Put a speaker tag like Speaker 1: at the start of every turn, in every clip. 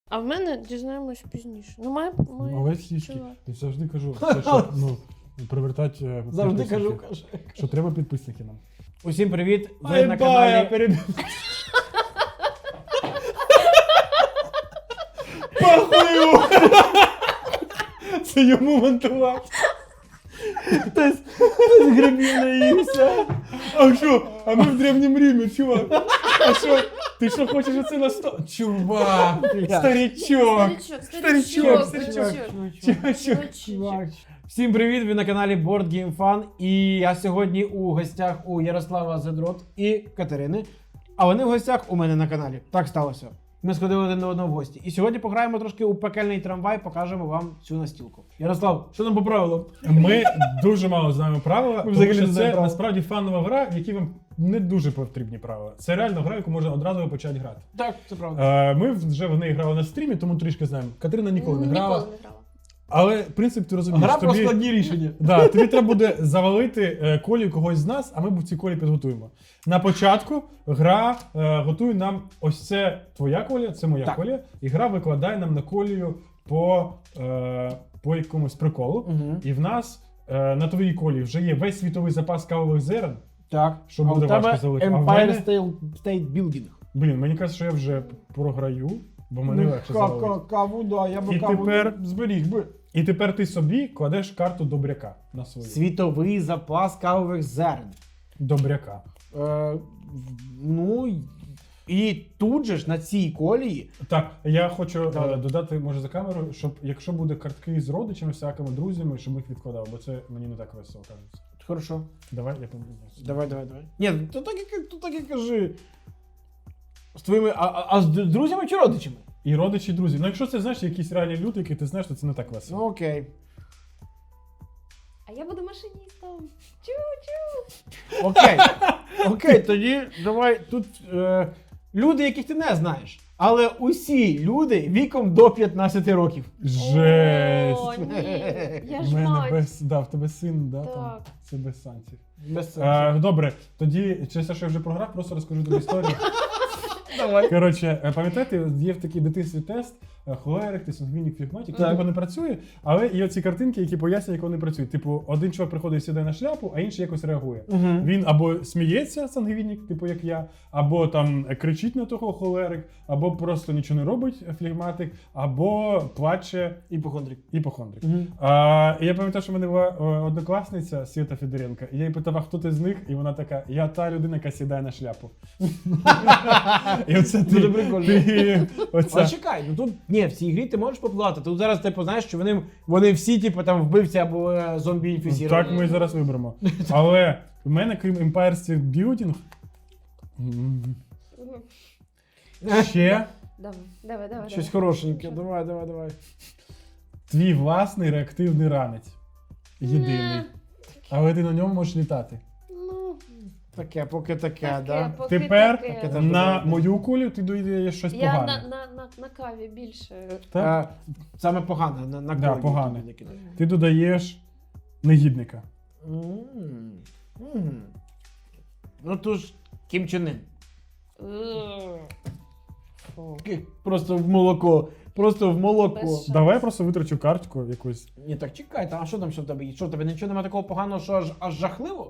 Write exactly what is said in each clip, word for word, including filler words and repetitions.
Speaker 1: А в мене дізнаємось пізніше. Ну, має... має
Speaker 2: Овець сіськи.
Speaker 1: чувак.
Speaker 2: Я завжди кажу, це, що, ну, привертати е,
Speaker 3: Завжди
Speaker 2: підписників.
Speaker 3: кажу, каже.
Speaker 2: Що треба підписники нам.
Speaker 3: Усім привіт, ви
Speaker 2: Ай,
Speaker 3: на
Speaker 2: бая,
Speaker 3: каналі...
Speaker 2: перебив. Пахую! Це йому монтувати.
Speaker 3: Хтось грибів наївся.
Speaker 2: А що? А ми в Древнім Римі, чувак. А що? Ти що хочеш оце на сто? Чувак, старичок.
Speaker 1: Старичок,
Speaker 2: Старичок,
Speaker 1: старичок,
Speaker 2: старичок.
Speaker 1: старичок.
Speaker 2: Чувак.
Speaker 3: Всім привіт, ви на каналі Board Game Fun. І я сьогодні у гостях у Ярослава Задрот і Катерини. А вони в гостях у мене на каналі. Так сталося. Ми сходили один до одного в гості. І сьогодні пограємо трошки у пекельний трамвай, покажемо вам цю настілку. Ярослав, що нам по правилам?
Speaker 2: Ми дуже мало знаємо правила, тому
Speaker 3: взагалі
Speaker 2: що
Speaker 3: не
Speaker 2: це
Speaker 3: знаємо правила.
Speaker 2: насправді фанова гра, в якій вам не дуже потрібні правила. Це реально гра, яку можна одразу почати грати.
Speaker 3: Так, це правда.
Speaker 2: Е, Ми вже в неї грали на стрімі, тому трішки знаємо. Катерина ніколи не грала.
Speaker 1: Ніколи не грала.
Speaker 2: Але принцип ти розумієш.
Speaker 3: Гра про
Speaker 2: тобі-
Speaker 3: складні рішення.
Speaker 2: Да, тобі треба буде завалити е, колію когось з нас, а ми ці колі підготуємо. На початку гра е, готує нам ось це твоя колія, це моя
Speaker 3: Так.
Speaker 2: колія, і гра викладає нам на колію по, е, по якомусь приколу.
Speaker 3: Угу.
Speaker 2: І в нас е, на твоїй колії вже є весь світовий запас кавових зерен.
Speaker 3: Так.
Speaker 2: Що
Speaker 3: А
Speaker 2: буде
Speaker 3: у тебе
Speaker 2: важко залити. А в
Speaker 3: Empire
Speaker 2: мене-
Speaker 3: State, State Building.
Speaker 2: Блін, мені кажуть, що я вже програю, бо мене
Speaker 3: Ну,
Speaker 2: легше
Speaker 3: ка-
Speaker 2: завалити.
Speaker 3: ка- Каву, да, я би
Speaker 2: І
Speaker 3: каву
Speaker 2: тепер-
Speaker 3: зберіг би.
Speaker 2: І тепер ти собі кладеш карту добряка на свою.
Speaker 3: Світовий запас кавових зерен.
Speaker 2: Добряка.
Speaker 3: Е, в- ну, і тут же ж на цій колії.
Speaker 2: Так, я хочу
Speaker 3: Да.
Speaker 2: е, додати, може, за камеру, щоб якщо буде картки з родичами, всякими друзями, щоб їх відкладав, бо це мені не так весело кажеться.
Speaker 3: Хорошо.
Speaker 2: Давай, я помилюсь.
Speaker 3: Давай, давай, давай. Ні, то так і, то так і кажи. З твоїми. А, а, а з д- друзями чи родичами?
Speaker 2: І родичі, і друзі. Ну, якщо це знаєш, якісь реальні люди, які ти знаєш, то це не так весело.
Speaker 3: Ну окей.
Speaker 1: А я буду машиністом. Чу-чу.
Speaker 3: Окей. Окей, тоді давай тут е, люди, яких ти не знаєш. Але усі люди віком до п'ятнадцяти років.
Speaker 2: Жесть!
Speaker 1: О, ні. Я
Speaker 2: В
Speaker 1: ж
Speaker 2: мене
Speaker 1: мать.
Speaker 2: без. Да, в тебе син, да, там.
Speaker 1: Так.
Speaker 2: Це без санкцій.
Speaker 3: Без сенсу.
Speaker 2: Е, добре, тоді через те, що я вже програв, просто розкажу тобі історію.
Speaker 3: Давай.
Speaker 2: Коротше, е, пам'ятаєте, є в такий дитинстві тест, е, холерик, ти сангвінік, флегматик, який
Speaker 3: Так.
Speaker 2: типу не працює, але є оці картинки, які пояснюють, як вони працюють. Типу, один чувак приходить і сідає на шляпу, а інший якось реагує.
Speaker 3: Угу.
Speaker 2: Він або сміється, сангвінік, типу як я, або там е, кричить на того холерик, або просто нічого не робить е, флегматик, або плаче
Speaker 3: Іпохондрик.
Speaker 2: іпохондрик.
Speaker 3: Угу.
Speaker 2: А, і я пам'ятаю, що в мене була е, однокласниця Свята Федоренко, і я їй питав, а хто ти з них? І вона така: я та людина, яка сідає на шляпу. І оце ти,
Speaker 3: Дуже прикольно.
Speaker 2: ти
Speaker 3: А
Speaker 2: оця.
Speaker 3: чекай, ну тут ні, в цій грі ти можеш попливати. Тут зараз типу знаєш, що вони, вони всі, типу, там вбивці або е, зомбі інфіціровані.
Speaker 2: Так ми зараз виберемо. Але в мене, крім Empire State Building, м, ще
Speaker 1: Давай, давай, давай.
Speaker 3: Щось
Speaker 1: давай.
Speaker 3: хорошеньке. Давай, давай, давай.
Speaker 2: твій власний реактивний ранець. Єдиний.
Speaker 1: Ні.
Speaker 2: Але ти на ньому можеш літати.
Speaker 1: Ну,
Speaker 3: Таке, поки таке,
Speaker 1: таке,
Speaker 3: да?
Speaker 1: поки
Speaker 2: Тепер
Speaker 1: таке.
Speaker 3: Таке теж
Speaker 2: на
Speaker 3: добре.
Speaker 2: мою кулю ти доїдеш щось
Speaker 1: Я
Speaker 2: погане.
Speaker 1: на, на, на, на каві більше.
Speaker 2: Так?
Speaker 3: Е, саме погане, на, на
Speaker 2: Да,
Speaker 3: колі
Speaker 2: погане.
Speaker 3: тобі накидаю.
Speaker 2: Ти додаєш негідника.
Speaker 3: М, м. Ну то ж Кім Чен Ын.
Speaker 1: Е, фу.
Speaker 3: Ки- Просто в молоко. Просто в молоко.
Speaker 1: Без шансів.
Speaker 2: Давай я просто витрачу картку якусь.
Speaker 3: Ні, так чекай, там, а що там що в тебе є? Що в тебе нічого немає такого поганого, що аж, аж жахливо?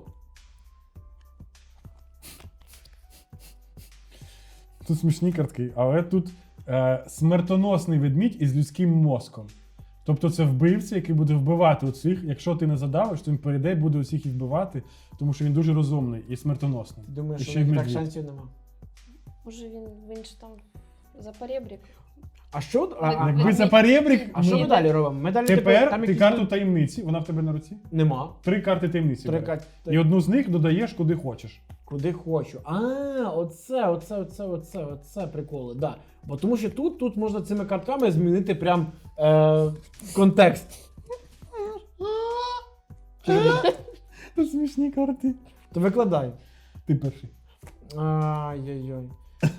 Speaker 2: Тут смішні картки, але тут е, смертоносний ведмідь із людським мозком. Тобто це вбивця, який буде вбивати оцих. Якщо ти не задавиш, то він перейде і буде усіх їх вбивати, тому що він дуже розумний і смертоносний.
Speaker 3: Ти думаєш,
Speaker 2: І
Speaker 3: що
Speaker 2: ще й
Speaker 3: в них так
Speaker 2: медвідь.
Speaker 3: шансів нема?
Speaker 1: Може він, він ж там за поребрик.
Speaker 3: А що? А, а,
Speaker 2: Якби
Speaker 3: а,
Speaker 2: за поребрик,
Speaker 3: а що
Speaker 2: ну,
Speaker 3: ми далі робимо? Ми далі
Speaker 2: тепер
Speaker 3: там
Speaker 2: ти
Speaker 3: якісь
Speaker 2: карту
Speaker 3: тут-
Speaker 2: таємниці, вона в тебе на руці.
Speaker 3: Нема.
Speaker 2: Три карти таємниці.
Speaker 3: Три
Speaker 2: береш.
Speaker 3: карти.
Speaker 2: І одну з них додаєш куди хочеш.
Speaker 3: Куди хочу. А, оце, оце, оце, оце, оце приколи. Да. Бо тому що тут, тут можна цими картками змінити прям е, контекст.
Speaker 2: Це смішні карти.
Speaker 3: То викладай.
Speaker 2: Ти перший.
Speaker 3: Ай-яй-яй.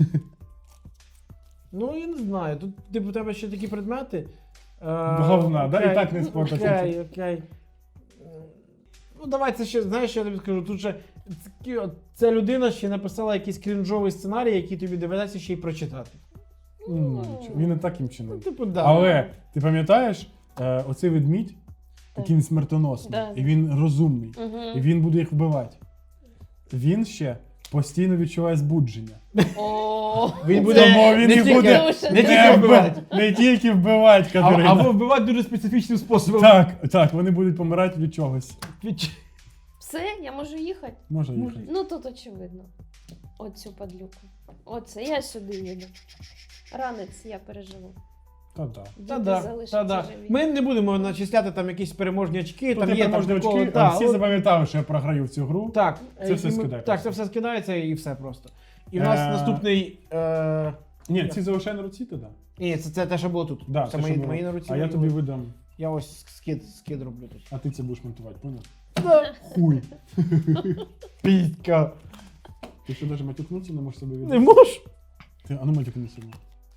Speaker 3: Ну, я не знаю. Тут, типу, у тебе ще такі предмети. Е,
Speaker 2: Говна, да? І
Speaker 3: окей,
Speaker 2: так не спортиться.
Speaker 3: Окей, окей. Ну, давай це ще, знаєш, що я тобі скажу. Тут ще такі от- ця людина ще написала якийсь крінжовий сценарій, який тобі доведеться ще й прочитати.
Speaker 2: Ну, нічого. Він і так їм чинив.
Speaker 3: Типу, да.
Speaker 2: Але ти пам'ятаєш, е, оцей ведмідь, який він смертоносний,
Speaker 1: Да.
Speaker 2: і він розумний,
Speaker 1: Угу.
Speaker 2: і він буде їх вбивати. Він ще постійно відчуває збудження.
Speaker 1: О,
Speaker 3: Він
Speaker 1: це
Speaker 3: буде
Speaker 2: Тому він
Speaker 3: не
Speaker 2: і
Speaker 3: тільки-
Speaker 2: буде
Speaker 1: дуже
Speaker 3: не
Speaker 1: добре.
Speaker 3: тільки
Speaker 2: не,
Speaker 3: вбивати.
Speaker 2: вбивати, не тільки вбивати,
Speaker 3: А-
Speaker 2: Катерина.
Speaker 3: Або вбивати дуже специфічним способом.
Speaker 2: Так, так, вони будуть помирати від чогось.
Speaker 3: Від-
Speaker 1: Все, я можу їхати?
Speaker 2: Може
Speaker 3: Може.
Speaker 2: їхати.
Speaker 1: Ну тут очевидно. Оцю падлюку. Оце, я сюди їду. Ранець я переживу.
Speaker 2: Та-да.
Speaker 1: Діти
Speaker 3: Та-да,
Speaker 1: залишаться
Speaker 3: та-да.
Speaker 1: живі.
Speaker 3: Ми не будемо начисляти там якісь переможні очки,
Speaker 2: Тут
Speaker 3: там
Speaker 2: є
Speaker 3: є там
Speaker 2: переможні
Speaker 3: приколи,
Speaker 2: очки,
Speaker 3: та,
Speaker 2: а всі
Speaker 3: от-
Speaker 2: запам'ятали, що я програю в цю гру.
Speaker 3: Так,
Speaker 2: Це
Speaker 3: і
Speaker 2: все
Speaker 3: ми-
Speaker 2: скидай
Speaker 3: Так,
Speaker 2: просто.
Speaker 3: це все скидається і все просто. І в нас
Speaker 2: Е,
Speaker 3: наступний. Е...
Speaker 2: Ні, ці залишай на руці тоді.
Speaker 3: Ні, це, це те, що було тут.
Speaker 2: Да,
Speaker 3: це
Speaker 2: те,
Speaker 3: мої,
Speaker 2: що було.
Speaker 3: мої на руці.
Speaker 2: А я
Speaker 3: мої
Speaker 2: тобі
Speaker 3: на руці.
Speaker 2: видам,
Speaker 3: Я ось скид, скид роблю тут.
Speaker 2: а ти це будеш монтувати, поняв?
Speaker 3: Да.
Speaker 2: Хуй.
Speaker 3: Пітька.
Speaker 2: Ти що навіть матюкнутися не можеш себе
Speaker 3: Не
Speaker 2: віддати?
Speaker 3: можеш?
Speaker 2: Ти, а ну матюкни себе.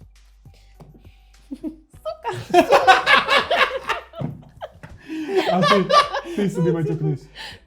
Speaker 2: А ти, ти собі матюкнись.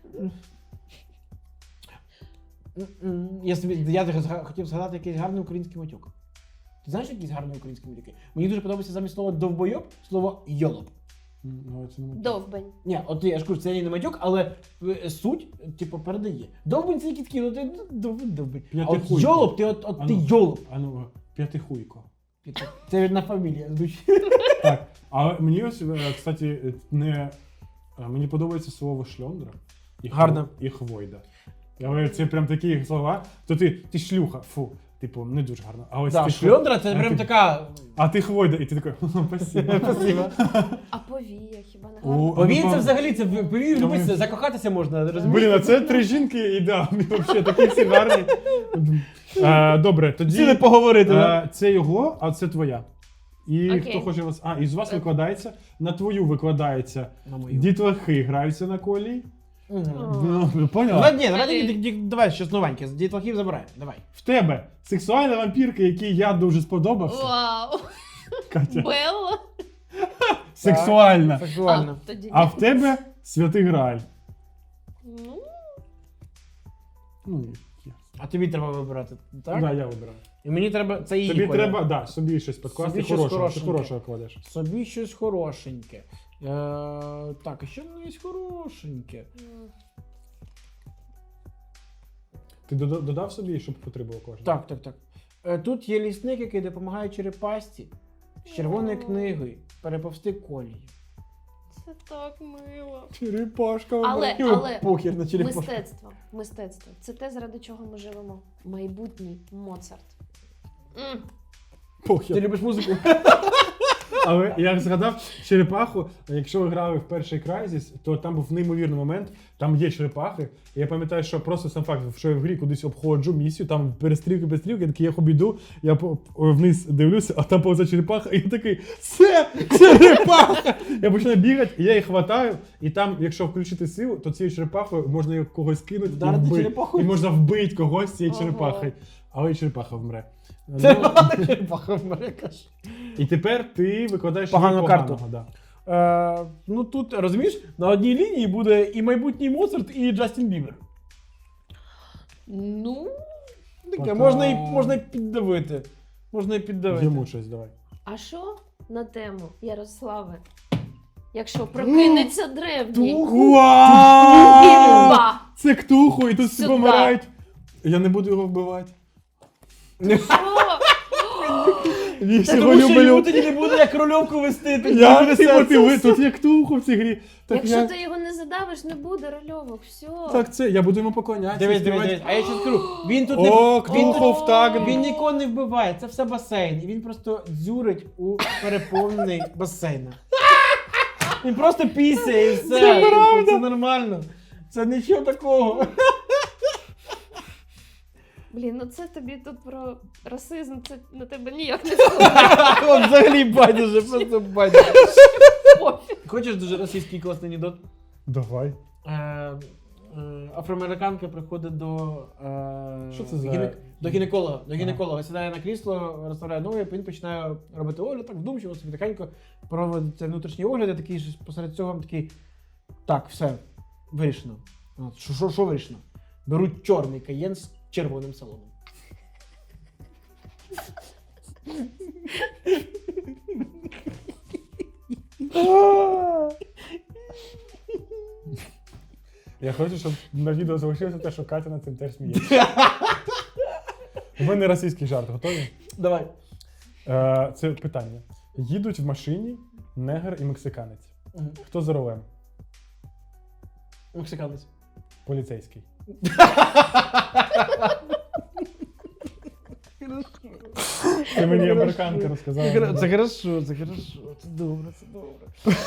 Speaker 3: М-м, Я, собі, я зга- хотів згадати якийсь гарний український матюк. Ти знаєш якісь гарні українські матюки? Мені дуже подобається замість слова довбойоб слово йолоп.
Speaker 2: М, Ну, це не матюк.
Speaker 1: Довбень.
Speaker 3: Ні, от я ж кажу, це не матюк, але е, суть, типу, передає. Довбень це який такий, ну ти довбень, довбень. А от
Speaker 2: П'ятихуйко.
Speaker 3: йолоп, ти от, от
Speaker 2: А
Speaker 3: ти
Speaker 2: ну.
Speaker 3: йолоп.
Speaker 2: А ну, п'ятихуйко.
Speaker 3: Це одна фамілія звучить.
Speaker 2: Так, але мені ось, е, кстати, не, е, мені подобається слово шльондра і, хво-
Speaker 3: Гарно.
Speaker 2: і хвойда. Але це прям такі слова, то ти, ти шлюха, фу, типу, не дуже гарно. А ось
Speaker 3: Да,
Speaker 2: ти
Speaker 3: шльондра це
Speaker 2: а
Speaker 3: прям
Speaker 2: ти-
Speaker 3: така.
Speaker 2: А ти хвойда, і ти такий, спасибо.
Speaker 3: Спасибо.
Speaker 1: А повія хіба не
Speaker 2: О,
Speaker 1: гарно?
Speaker 3: Повій
Speaker 2: ну,
Speaker 3: це
Speaker 2: пам-
Speaker 3: взагалі, це повій
Speaker 2: Тому-
Speaker 3: любиться, закохатися можна, розумієш?
Speaker 2: Блін, а це три жінки ідеальні, взагалі, такі всі гарні. Е, Добре, тоді
Speaker 3: Сіли поговорити, да?
Speaker 2: е, це його, а це твоя. І
Speaker 1: Окей.
Speaker 2: хто хоче вас. А, і з вас викладається, на твою викладається.
Speaker 3: На мою.
Speaker 2: Дітлахи граються на колі.
Speaker 3: Мгм.
Speaker 2: Ну,
Speaker 3: Давай,
Speaker 2: поняла?
Speaker 3: ні, давай, ді- ді- давай щось новеньке, з дітлахів забираємо, давай.
Speaker 2: В тебе сексуальна вампірка, який я дуже сподобався.
Speaker 1: Вау!
Speaker 2: Катя.
Speaker 1: Белла?
Speaker 2: Сексуальна.
Speaker 3: Сексуально.
Speaker 1: А, тоді
Speaker 2: А
Speaker 1: ні.
Speaker 2: в тебе святий Грааль.
Speaker 1: Ну,
Speaker 2: Ну, є.
Speaker 3: А тобі треба вибирати, так?
Speaker 2: Да, я вибираю.
Speaker 3: І мені треба, це її
Speaker 2: Тобі
Speaker 3: колір.
Speaker 2: треба, да, собі щось підкласти
Speaker 3: Собі щось
Speaker 2: хорошого. Ти
Speaker 3: хорошеньке.
Speaker 2: хорошого кладеш.
Speaker 3: Собі щось хорошеньке. Е, так, а що в мене є хорошеньке?
Speaker 1: м,
Speaker 2: Ти дода- додав собі, щоб потребував кожен?
Speaker 3: Так, так, так. Е, тут є лісник, який допомагає черепасті з червоною книгою переповзти колії.
Speaker 1: це так мило.
Speaker 2: Черепашка.
Speaker 1: Але,
Speaker 3: Йому
Speaker 1: але
Speaker 3: похер на черепашку.
Speaker 1: мистецтво, мистецтво. Це те, заради чого ми живемо. Майбутній Моцарт. М,
Speaker 3: Ти
Speaker 2: Похер.
Speaker 3: любиш музику?
Speaker 2: Але я згадав черепаху. Якщо ви грали в перший Crysis, то там був неймовірний момент. Там є черепахи. І я пам'ятаю, що просто сам факт, що я в грі кудись обходжу місію, там перестрілки, перестрілки, я такий, я обійду, я по- вниз дивлюся, а там повза черепаха, і я такий, це черепаха! Я починаю бігати, і я їх хватаю, і там, якщо включити силу, то цією черепахою можна її когось кинути і
Speaker 3: Вдарити
Speaker 2: вбити.
Speaker 3: черепахою?
Speaker 2: І можна вбити когось цією
Speaker 1: Ого.
Speaker 2: черепахою. Але і черепаха вмре.
Speaker 3: Це
Speaker 2: Ну,
Speaker 3: черепаха вмре, каже.
Speaker 2: і тепер ти викладаєш
Speaker 3: Погану
Speaker 2: їй
Speaker 3: карту.
Speaker 2: поганого, да.
Speaker 3: Е, ну тут, розумієш, на одній лінії буде і майбутній Моцарт, і Джастін Бібер.
Speaker 1: Ну,
Speaker 3: Таке,
Speaker 2: Пока.
Speaker 3: можна і, можна і піддавити. Можна і піддавити.
Speaker 2: Йому щось давай.
Speaker 1: а що на тему Ярославе? Якщо прокинеться древній.
Speaker 2: Вау!
Speaker 1: Бімба!
Speaker 2: Це ктуху, і тут всі
Speaker 1: Сюда.
Speaker 2: помирають. Я не буду його вбивати.
Speaker 1: Що?
Speaker 2: Я
Speaker 3: Та
Speaker 2: його
Speaker 3: тому що йому
Speaker 2: люблю.
Speaker 3: тоді не буде як рольовку вести. тоді
Speaker 2: Я
Speaker 3: буде
Speaker 2: типу,
Speaker 3: серце.
Speaker 2: ти ви, тут є ктуху в цій грі. Так,
Speaker 1: Якщо
Speaker 2: я,
Speaker 1: ти його не задавиш, не буде рольовок. Все.
Speaker 2: так це, я буду йому поклонятися.
Speaker 3: Дивись, дивись,
Speaker 2: співати.
Speaker 3: дивись. А я ще скажу, він тут
Speaker 2: О,
Speaker 3: не він,
Speaker 2: Ктухов
Speaker 3: тут,
Speaker 2: так.
Speaker 3: він нікого не вбиває, це все басейн. І він просто дзюрить у переповнений басейн. Він просто пісяє і все.
Speaker 2: Це
Speaker 3: Типу,
Speaker 2: правда.
Speaker 3: Це нормально. Це нічого такого.
Speaker 1: Блін, ну це тобі тут про расизм, це на тебе ніяк не впливає.
Speaker 3: От взагалі байдуже, просто байдуже.
Speaker 1: Пофіг.
Speaker 3: Хочеш дуже російський класний анекдот?
Speaker 2: Давай.
Speaker 3: Е, е, Афроамериканка приходить до, е,
Speaker 2: Що це за-
Speaker 3: гіне- до гінеколога. До гінеколога сідає на крісло, розставляє ноги, він починає робити огляд, так вдумчиво, собі тихенько проводиться внутрішній огляд, і такий ж посеред цього такий. Так, все, вирішено. От, Що, що, що вирішено? Беруть чорний каєн з червоним салоном.
Speaker 2: Я хочу, щоб на відео залишилося те, що Катя над цим теж сміється. У мене російський жарт, готові?
Speaker 3: Давай.
Speaker 2: Е, це питання. Їдуть в машині негр і мексиканець.
Speaker 3: Мгм.
Speaker 2: Хто за рулем?
Speaker 3: Мексиканець.
Speaker 2: Поліцейський. Це мені американка розказала.
Speaker 3: Це хорошо, це хорошо, це добре, це добре.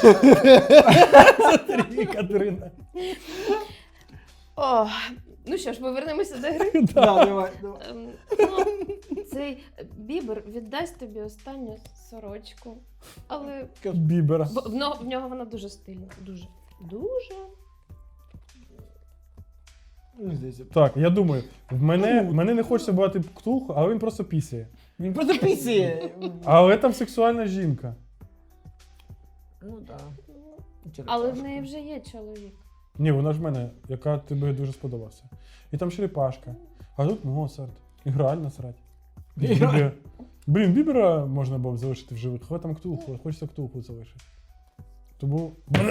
Speaker 2: Це Катерина.
Speaker 1: О, ну що ж, повернемося до гри.
Speaker 3: Да, давай, давай.
Speaker 1: Ем, ну, цей Бібер віддасть тобі останню сорочку. Але
Speaker 2: Бібера.
Speaker 1: в, в, нього- в нього вона дуже стильна. Дуже. Дуже.
Speaker 3: Мені здається.
Speaker 2: Так, я думаю, в мене, в мене не хочеться бувати ктулху, але він просто пісяє.
Speaker 3: Він просто пісіє.
Speaker 2: Але там сексуальна жінка.
Speaker 3: Ну так.
Speaker 1: Але в неї вже є чоловік.
Speaker 2: Ні, вона ж в мене, яка тобі дуже сподобався. І там черепашка. А тут Моцарт. І граль насрать.
Speaker 3: Іграль.
Speaker 2: Бібер. Блін, Бібера можна було б залишити в живих, але там ктулху, хочеться ктулху залишити. Тому.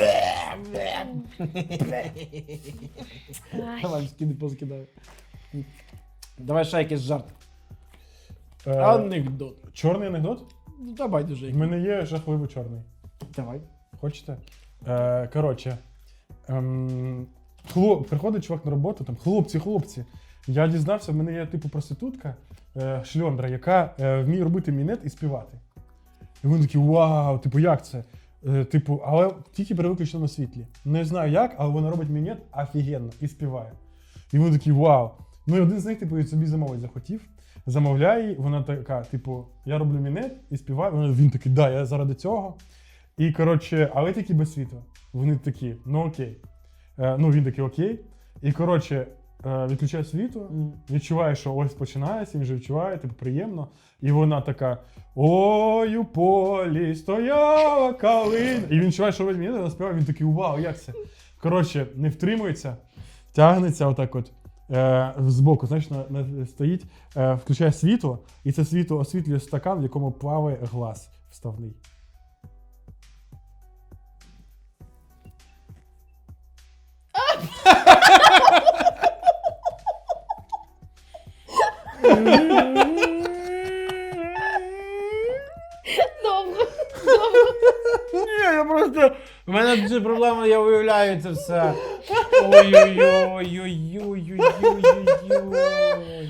Speaker 1: Ай.
Speaker 3: Давай, скиди, поскидаю. Давай ще якийсь жарт.
Speaker 2: Е,
Speaker 3: Анекдот.
Speaker 2: чорний анекдот?
Speaker 3: Ну, давай дуже.
Speaker 2: В мене є жахливо чорний.
Speaker 3: Давай.
Speaker 2: Хочете? Е, коротше, ем, хлоп, приходить чувак на роботу, там, хлопці, хлопці. Я дізнався, в мене є типу проститутка, е, шльондра, яка е, вміє робити мінет і співати. І вони такі, вау, типу, як це? Е, типу, але тільки при виключеному світлі. Не знаю як, але вона робить мінет офігенно і співає. І вони такі, вау. Ну і один з них, типу, собі замовить захотів. Замовляє її, вона така, типу, я роблю мінет і співаю. Вона- Він такий, да, я заради цього. І, коротше, але тільки без світла. Вони такі, ну окей. Е, ну він такий окей. І, коротше, е, відключає світло, відчуває, що ось починається, він вже відчуває, типу, приємно. І вона така: ой, у полі стояла калина. І він відчуває, що робить мінет, вона співає, він такий, вау, як це? Коротше, не втримується, тягнеться отак от. Е, збоку, знаєш, на, на, стоїть, е, включає світло, і це світло освітлює стакан, в якому плаває глаз вставний.
Speaker 1: Довго. Довго.
Speaker 3: Ні, я просто. У мене дуже проблема, я уявляю це все. Ой-ой-ой-ой-ой-ой-ой-ой-ой.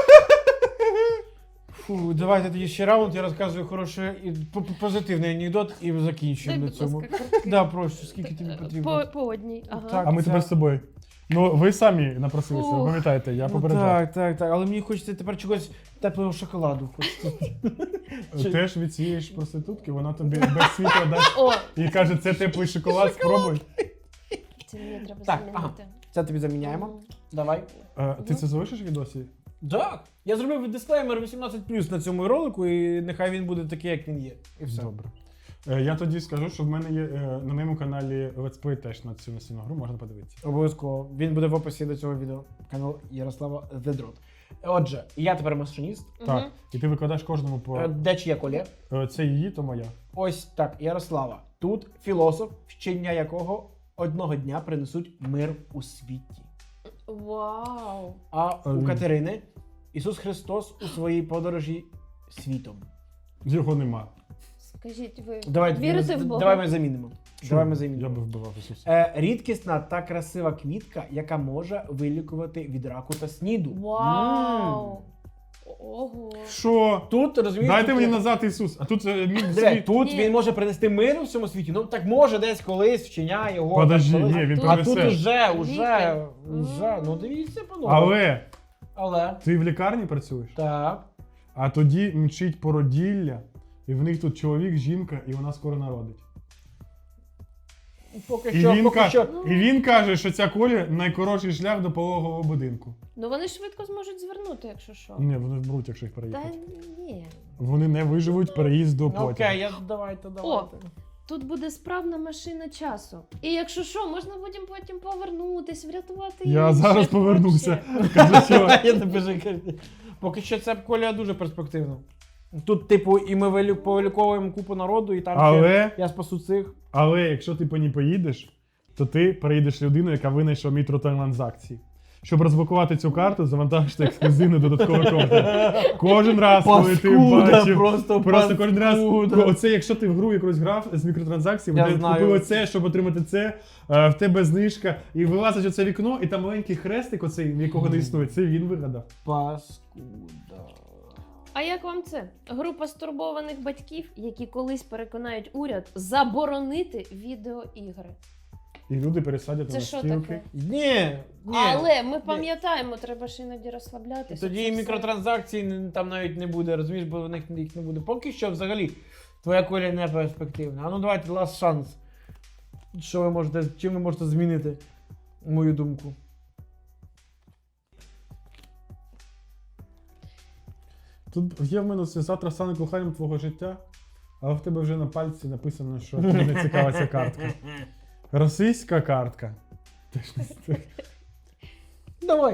Speaker 3: Фу, давайте тоді ще раунд, я розказую хороший і по- по- позитивний анекдот і
Speaker 1: Дай,
Speaker 3: закінчуємо на
Speaker 1: будь
Speaker 3: цьому.
Speaker 1: ласка, короткий.
Speaker 3: Да, прошу, скільки тобі потрібно.
Speaker 1: По, по одній. Ага.
Speaker 3: Так.
Speaker 2: А ми
Speaker 3: це-
Speaker 2: тепер з тобою. Ну, ви самі напросилися, ви
Speaker 1: Фух.
Speaker 2: пам'ятаєте, я
Speaker 3: Ну,
Speaker 2: попереджав.
Speaker 3: так, так, так. Але мені хочеться тепер чогось теплого шоколаду. Хочеться. Чи-
Speaker 2: Теж від цієї ж проститутки, вона тобі без світла дасть
Speaker 1: О,
Speaker 2: і каже, це теплий шоколад, спробуй.
Speaker 1: це мені треба
Speaker 3: Так,
Speaker 1: замінити.
Speaker 3: Це тобі заміняємо.
Speaker 1: Мгм.
Speaker 3: Давай.
Speaker 2: Е, ти це залишиш в відосі?
Speaker 3: Так. Я зробив дисклеймер вісімнадцять плюс на цьому ролику, і нехай він буде такий, як він є. І все.
Speaker 2: Добре. Е, я тоді скажу, що в мене є е, на моєму каналі летсплей теж на цю настільну гру, можна подивитися.
Speaker 3: Обов'язково. Він буде в описі до цього відео. Канал Ярослава The Drot. Отже, я тепер машиніст.
Speaker 2: Так,
Speaker 1: Мгм.
Speaker 2: і ти викладаєш кожному по.
Speaker 3: Е, Де чия колє?
Speaker 2: Е, Це її, то моя.
Speaker 3: Ось так, Ярослава. Тут філософ, вчення якого одного дня принесуть мир у світі.
Speaker 1: Вау.
Speaker 3: А у
Speaker 2: Амінь.
Speaker 3: Катерини Ісус Христос у своїй подорожі світом.
Speaker 2: Його нема.
Speaker 1: Скажіть, ви
Speaker 3: Давай,
Speaker 1: вірите
Speaker 3: ми,
Speaker 1: в Бога?
Speaker 3: давай ми замінимо. Давай ми
Speaker 2: Я
Speaker 3: замінимо.
Speaker 2: би вбивав Ісуса.
Speaker 3: Е, рідкісна та красива квітка, яка може вилікувати від раку та сніду.
Speaker 1: Вау.
Speaker 3: М.
Speaker 1: Ого.
Speaker 2: Що?
Speaker 3: Тут розумієш,
Speaker 2: Дайте
Speaker 3: тут
Speaker 2: мені
Speaker 3: є-
Speaker 2: назад Ісус, а тут е, мій
Speaker 3: Диви,
Speaker 2: світ.
Speaker 3: тут
Speaker 1: Ні.
Speaker 3: він може принести мир у всьому світі. Ну так може десь колись вчення його.
Speaker 2: Подожди,
Speaker 3: так, колись.
Speaker 2: ні, він
Speaker 1: А
Speaker 3: А тут
Speaker 2: принесе.
Speaker 3: уже, уже,
Speaker 1: Лікар.
Speaker 3: уже. Ну дивіться, панове.
Speaker 2: Але
Speaker 3: Але.
Speaker 2: ти в лікарні працюєш,
Speaker 3: Так.
Speaker 2: а тоді мчить породілля, і в них тут чоловік, жінка, і вона скоро народить.
Speaker 3: Поки
Speaker 2: І
Speaker 3: що,
Speaker 2: він,
Speaker 3: поки
Speaker 2: ка-
Speaker 3: що.
Speaker 2: і він каже, що ця колія найкоротший шлях до пологового будинку.
Speaker 1: Ну вони швидко зможуть звернути, якщо що.
Speaker 2: Ні, вони вберуть, якщо їх
Speaker 1: Та
Speaker 2: переїхати.
Speaker 1: ні.
Speaker 2: Вони не виживуть переїзд до
Speaker 3: Ну,
Speaker 2: потягу.
Speaker 3: окей, я давайте, давайте.
Speaker 1: Тут буде справна машина часу. І якщо що, можна потім потім повернутись, врятувати
Speaker 2: Я
Speaker 1: інших
Speaker 2: зараз повернуся.
Speaker 1: вообще.
Speaker 2: Кажу, що
Speaker 3: Я не кажу. Поки що ця колія дуже перспективна. Тут, типу, і ми вилю- повиліковуємо купу народу, і там
Speaker 2: Але-
Speaker 3: ще я спасу цих.
Speaker 2: Але якщо ти по ній поїдеш, то ти перейдеш людину, яка винайшла мікротранзакції. Щоб розблокувати цю карту, завантажити ексклюзивний додатковий контент. Кожен раз, коли ти
Speaker 3: Паскуда,
Speaker 2: бачив,
Speaker 3: просто
Speaker 2: просто кожен раз,
Speaker 3: паскуда.
Speaker 2: оце, якщо ти в гру якусь грав з мікротранзакціями,
Speaker 3: Я
Speaker 2: ти
Speaker 3: знаю.
Speaker 2: купив оце, щоб отримати це, е, в тебе знижка, і вилазить оце вікно, і там маленький хрестик, оцей, якого не існує, це він вигадав.
Speaker 3: Паскуда.
Speaker 1: А як вам це? Група стурбованих батьків, які колись переконають уряд заборонити відеоігри.
Speaker 2: І люди пересадять
Speaker 1: Це
Speaker 2: на
Speaker 1: що
Speaker 2: стілки.
Speaker 1: таке?
Speaker 3: Ні, ні.
Speaker 1: Але ми пам'ятаємо, треба ж іноді розслаблятися.
Speaker 3: Тоді
Speaker 1: це
Speaker 3: і
Speaker 1: все.
Speaker 3: мікротранзакцій не- там навіть не буде, розумієш, бо в них їх не буде. Поки що взагалі твоя коля не перспективна. А ну давайте last шанс. Що ви можете, чим ви можете змінити мою думку?
Speaker 2: Тут є в мене це завтра стане коханням твого життя, але в тебе вже на пальці написано, що тобі не цікава ця картка. Російська картка. Ти ж не з-
Speaker 3: Давай.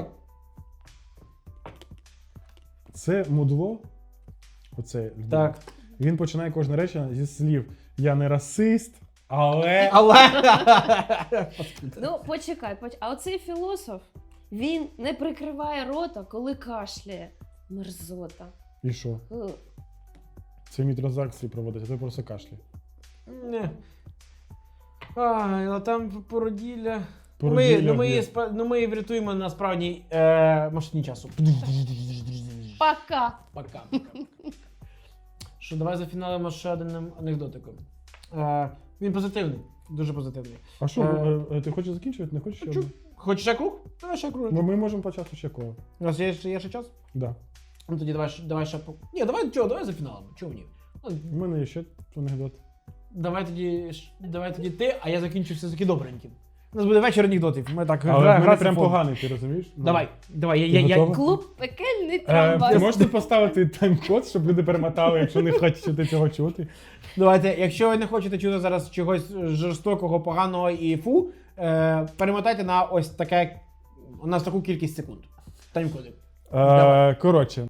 Speaker 2: Це мудло. Оце людина.
Speaker 3: Так.
Speaker 2: Він починає кожне речення зі слів: я не расист, але.
Speaker 3: Але.
Speaker 1: Ну, почекай, поч... а оцей філософ, він не прикриває рота, коли кашляє. Мерзота.
Speaker 2: І що?
Speaker 1: Е.
Speaker 2: Це мікротранзакції проводить, а ти просто кашляє.
Speaker 3: Ні. Ай, а там породілля. Ми,
Speaker 2: Породілля
Speaker 3: ну, ми,
Speaker 2: є.
Speaker 3: її спа- ну, ми її врятуємо на справжній е, машині часу.
Speaker 1: Пока.
Speaker 3: Пока. Що, давай зафіналимо ще одним анекдотиком. Е, він позитивний, дуже позитивний.
Speaker 2: А що,
Speaker 3: Е,
Speaker 2: е, е, ти хочеш закінчувати? Не хочеш ще?
Speaker 3: Хочу.
Speaker 2: одне?
Speaker 3: Хочеш ще круг? Давай ще круг.
Speaker 2: Ну, ми можемо почати ще коло.
Speaker 3: У нас є, ще- є ще час?
Speaker 2: Да.
Speaker 3: Ну тоді давай, ще- давай ще по. Ні, давай чого, давай зафіналимо. Чого ні? Ну,
Speaker 2: У мене є ще анекдот.
Speaker 3: давай тоді, ш- давай тоді ти, а я закінчу все-таки добреньким. У нас буде вечір анекдотів. Ми так
Speaker 2: Але
Speaker 3: гра-
Speaker 2: в мене
Speaker 3: грати
Speaker 2: прям
Speaker 3: фон.
Speaker 2: поганий, ти розумієш? Ну.
Speaker 3: Давай, давай, я,
Speaker 2: Ти
Speaker 3: я, я,
Speaker 2: готова?
Speaker 1: Клуб пекельний
Speaker 2: Е,
Speaker 1: трамвай.
Speaker 2: ти можете поставити тайм-код, щоб люди перемотали, якщо не хочуть цього чути?
Speaker 3: Давайте, якщо ви не хочете чути зараз чогось жорстокого, поганого і фу, е, перемотайте на ось таке, у нас таку кількість секунд. Тайм-коди.
Speaker 2: Е,
Speaker 3: Давай.
Speaker 2: коротше.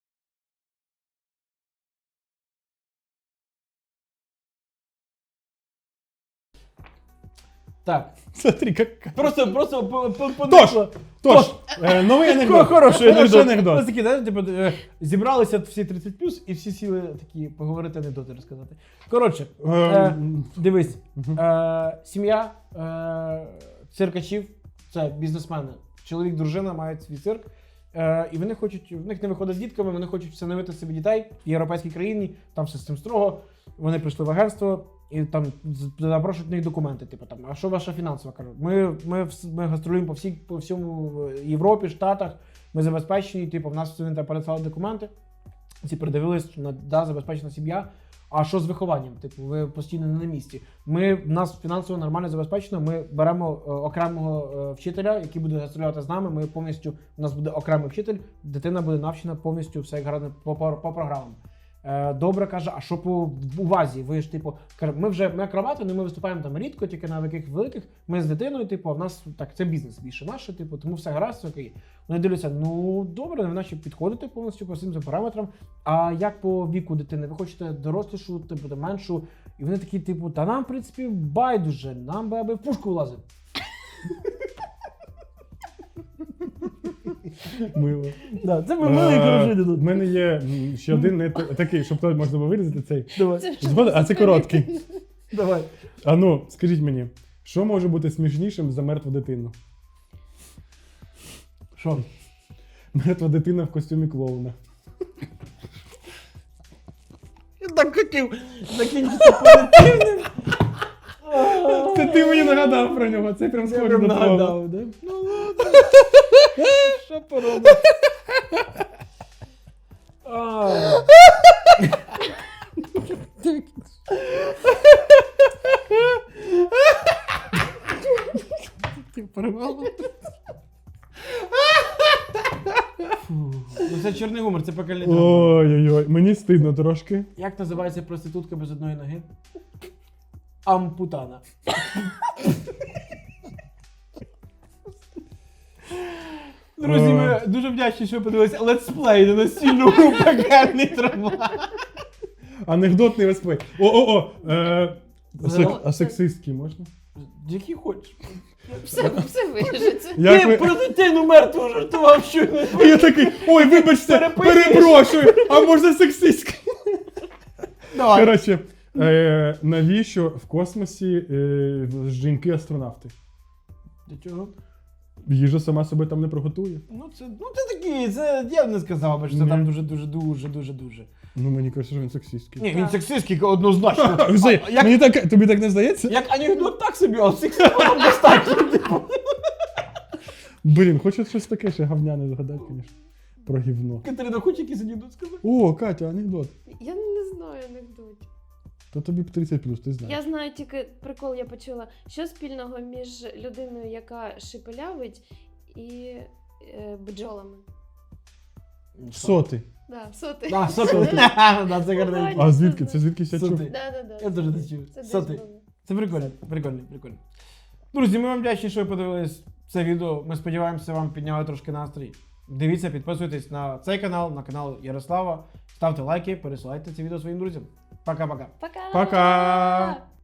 Speaker 3: Так.
Speaker 2: Смотри, як...
Speaker 3: Просто, просто по, по, по
Speaker 2: Тож, тож, е, новий анекдот.
Speaker 3: Хороший анекдот.
Speaker 2: анекдот.
Speaker 3: Ось такі, знаєте, типу, е, зібралися всі тридцять плюс і всі сіли такі поговорити анекдоти розказати. Коротше,
Speaker 2: Е,
Speaker 3: Е, дивись,
Speaker 2: Мгм.
Speaker 3: е, сім'я е, циркачів, це бізнесмени. Чоловік, дружина мають свій цирк. Е, і вони хочуть, в них не виходить з дітками, вони хочуть встановити собі дітей в європейській країні, там все з цим строго. Вони прийшли в агентство і там з- запрошують в них документи. Типу там, а що ваша фінансова? Кажуть, ми, ми, вс- ми гастролюємо по всій, по всьому е, Європі, Штатах, ми забезпечені, типу, в нас вони там переслали документи. Ці передивились, на да, забезпечена сім'я. А що з вихованням? Типу, ви постійно не на місці. Ми в нас фінансово нормально забезпечено. Ми беремо е, окремого е, вчителя, який буде гастролювати з нами. Ми повністю у нас буде окремий вчитель, дитина буде навчена повністю все як гарно по, по, по програмам. Е, добре каже, а що по увазі? Ви ж типу, каже, ми вже ми акробати, але ми виступаємо там рідко, тільки на яких великих. Ми з дитиною, типу, а в нас так це бізнес більше наше, типу, тому все гаразд, все окей. Вони дивляться, ну добре, ви наче підходите повністю по всім цим параметрам. А як по віку дитини? Ви хочете дорослішу, типу, меншу? І вони такі, типу, та нам, в принципі, байдуже, нам би аби в пушку влазив.
Speaker 2: Мило.
Speaker 3: Да, це
Speaker 2: Е, В мене є м, ще один не т- такий, щоб то можна було вирізати цей.
Speaker 3: Давай,
Speaker 1: Це
Speaker 2: Згоден? А це короткий.
Speaker 3: давай.
Speaker 2: А ну, скажіть мені, що може бути смішнішим за мертву дитину?
Speaker 3: Що?
Speaker 2: Мертва дитина в костюмі клоуна.
Speaker 3: Я так хотів закінчити позитивним.
Speaker 2: Це ти мені нагадав про нього, це прям
Speaker 3: Я
Speaker 2: схоже
Speaker 3: прям
Speaker 2: на твого.
Speaker 3: нагадав, да? Ну ладно. Що поробиш? А. Ти порвала? Фу. Ну це чорний гумор, це пекельний драма.
Speaker 2: Ой-ой-ой, мені стидно трошки.
Speaker 3: Як називається проститутка без одної ноги? Ампутана. Друзі, ми дуже вдячні, що ви подивилися летсплей на настільну гру пекельний трамвай.
Speaker 2: Анекдотний летсплей. О-о-о! Е, а сек-
Speaker 1: Ну,
Speaker 2: А
Speaker 1: це-
Speaker 2: сексистський можна?
Speaker 3: Який хочеш.
Speaker 1: Все, все вирішиться.
Speaker 2: Як
Speaker 3: Ти
Speaker 2: ви-
Speaker 3: про дитину мертву жартував щойно.
Speaker 2: Я такий, ой, вибачте,
Speaker 3: Переписуєш.
Speaker 2: перепрошую, а може сексистський?
Speaker 3: Давай.
Speaker 2: Коротше, е, навіщо в космосі е, жінки-астронавти?
Speaker 3: Для чого?
Speaker 2: Їжа сама себе там не приготує.
Speaker 3: Ну це, ну це такі, це я б не сказав, би, що це
Speaker 2: Ні.
Speaker 3: там дуже, дуже, дуже, дуже, дуже.
Speaker 2: Ну, мені кажеться, що він сексистський.
Speaker 3: Ні, він сексистський однозначно.
Speaker 2: Взагалі,
Speaker 3: А, як,
Speaker 2: Мені так, тобі так не здається?
Speaker 3: як анекдот так собі, а сексистом там достатньо. типу.
Speaker 2: Блін, хочу щось таке ще говняне згадати, звісно. Про гівно.
Speaker 3: Катерина, хоч якийсь анекдот сказати?
Speaker 2: О, Катя, анекдот.
Speaker 1: Я не знаю анекдотів.
Speaker 2: То тобі б тридцять плюс, ти знаєш.
Speaker 1: Я знаю тільки прикол, я почула, що спільного між людиною, яка шепелявить, і е, бджолами.
Speaker 2: Соти.
Speaker 1: Да, соти.
Speaker 3: Да, соти. Да, це гарно.
Speaker 2: А звідки? Це звідки я чув?
Speaker 3: Соти.
Speaker 1: Да, да, да.
Speaker 3: Я теж це чув.
Speaker 1: Це десь
Speaker 3: Соти.
Speaker 1: було.
Speaker 3: Це прикольно, прикольно, прикольно. Друзі, ми вам вдячні, що ви подивились це відео. Ми сподіваємося, вам підняли трошки настрій. Дивіться, підписуйтесь на цей канал, на канал Ярослава. Ставте лайки, пересилайте це відео своїм друзям. Пока-пока.
Speaker 1: Пока!
Speaker 2: Пока!